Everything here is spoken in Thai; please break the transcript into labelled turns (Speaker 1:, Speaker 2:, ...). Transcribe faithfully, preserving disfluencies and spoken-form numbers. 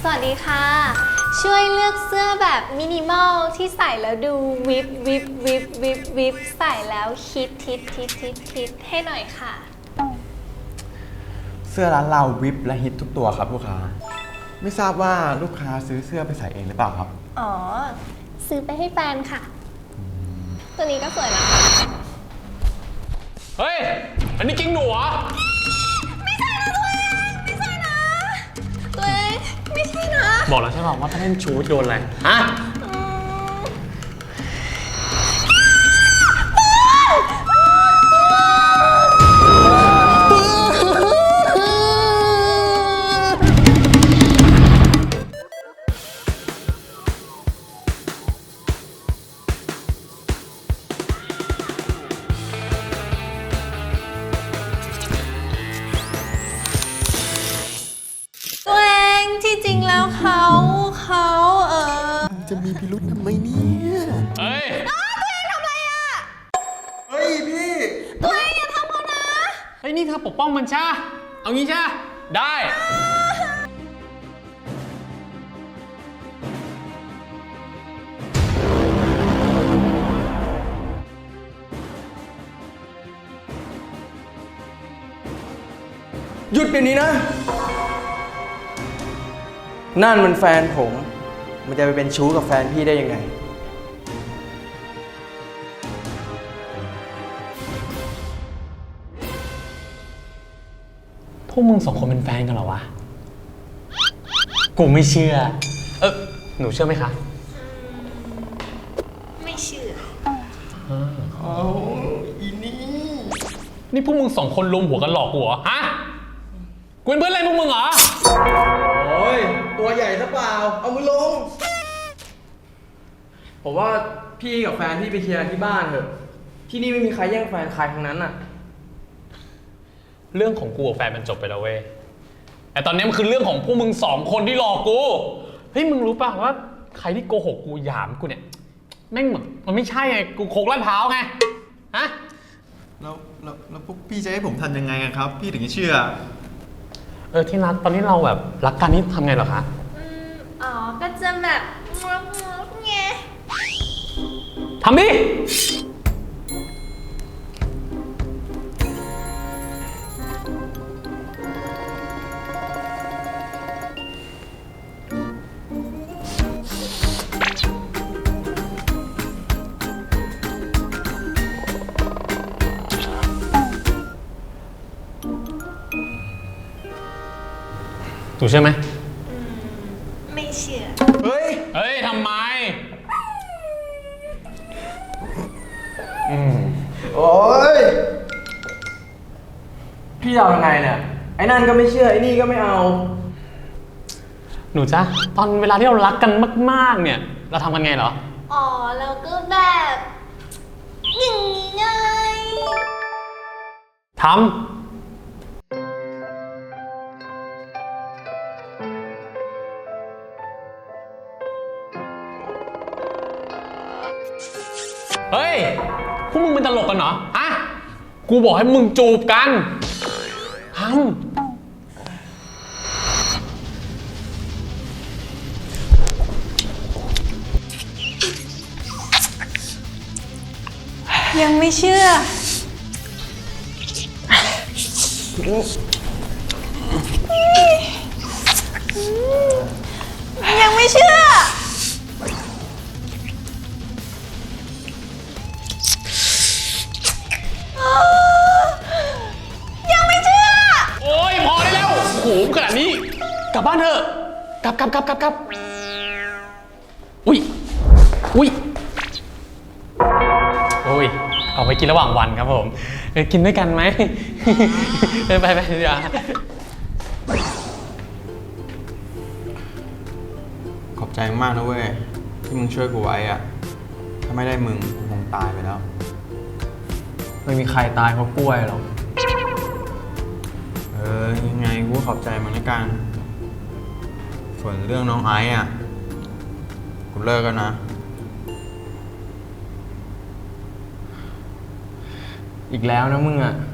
Speaker 1: สวัสดีค่ะช่วยเลือกเสื้อแบบมินิมอลที่ใส่แล้วดูวิบวิบวิบวิบวิบใส่แล้วคิดทิดทิดทิดทิดให้หน่อยค่ะ
Speaker 2: เสื้อร้านเราวิบและฮิตทุกตัวครับลูกค้าไม่ทราบว่าลูกค้าซื้อเสื้อไปใส่เองหรือเปล่าครับ
Speaker 1: อ๋อซื้อไปให้แฟนค่ะตัวนี้ก็สวยนะคะ
Speaker 3: เฮ้ยอันนี้กิ้งหนูเหรอ
Speaker 1: ตัวเองไม่ใช่นะ
Speaker 3: บอกแล้วใช่ป่าวว่าถ้าเล่นชูโดนอะไรฮะ
Speaker 1: ตัวเองที่จริงแล้วเขาเขาเออ
Speaker 2: จะมีพิรุธทำไมเนี่ย
Speaker 3: เฮ้ย
Speaker 1: ตัวเองทำอะไรอ่ะ
Speaker 2: เฮ้ยพี่
Speaker 1: ตัวเองอย่าทำเขานะ
Speaker 3: เฮ้ยนี่เธอปกป้องมันใช่เอางี้ใช่ได้
Speaker 4: หยุดเดี๋ยวนี้นะนั่นมันแฟนผมมันจะไปเป็นชู้กับแฟนพี่ได้ยังไง
Speaker 3: พวกมึงสองคนเป็นแฟนกันเหรอวะกูไม่เชื่อเออหนูเชื่อไหมคะ
Speaker 1: ไม่เชื่อ
Speaker 4: เอาอีนี่
Speaker 3: นี่พวกมึงสองคนรวมหัวกันหลอกกูเหรอฮะกูเป็นเพื่อนอะไรพวกมึงเหรอ
Speaker 4: โอ้ยตัวใหญ่ซะเปล่าเอามือลงผมว่าพี่กับแฟนพี่ไปเคลียร์ที่บ้านเถอะที่นี่ไม่มีใครแย่งแฟนใครทั้งนั้นน่ะ
Speaker 3: เรื่องของกูกับแฟนมันจบไปแล้วเว้ยแต่ตอนนี้มันคือเรื่องของพวกมึงสองคนที่หลอกกูเฮ้ยมึงรู้ป่ะว่าใครที่โกหกกูหยามกูเนี่ยแม่งแบบมันไม่ใช่ไงกูโคกลาดพร้าวไงฮะ
Speaker 2: แล้วแล้วแล้วพวกพี่จะให้ผมทำยังไงครับพี่ถึงจะเชื่อ
Speaker 3: เออที่รักตอนนี้เราแบบรักกันนี่ทำไงเหรอคะ
Speaker 1: อืมอ๋อก็จะแบบงงงไง
Speaker 3: ทำดิถูกใช่ไหม
Speaker 1: อืมไม่เชื่อ
Speaker 4: เฮ้ย
Speaker 3: เฮ้ยทำไม
Speaker 4: อืมโอ้ยพี่เอายังไงเนี่ยไอ้นั่นก็ไม่เชื่อไอ้นี่ก็ไม่เอา
Speaker 3: หนูจ๊ะตอนเวลาที่เรารักกันมากๆเนี่ยเราทำกันไงเหรอ
Speaker 1: อ๋อแล้วก็แบบอย่างนี้ไง
Speaker 3: ทำเฮ้ยพวกมึงเป็นตลกกันเหรอฮะกูบอกให้มึงจูบกันทำ
Speaker 1: ยังไม่เชื่อยังไม่เชื่อยังไม่เชื่อ
Speaker 3: โอ้ยพอได้แล้วโอ้โหขนาดนี้กลับบ้านเถอะกลับกลับกลับกลับกลับอุ้ยอุ้ยโอ้ยเอาไปกินระหว่างวันครับผมเออกินด้วยกันไหมไปไปไปเดี๋ยว
Speaker 2: ขอบใจมากนะเว้ยที่มึงช่วยกูไว้อะถ้าไม่ได้มึงกูคงตายไปแล้ว
Speaker 4: ไม่มีใครตายเพราะกล้วยหรอก
Speaker 2: เออยังไงกูขอบใจมึงละกันส่วนเรื่องน้องไอ้อะกูเลิกกันนะ
Speaker 4: อีกแล้วนะมึงอ่ะ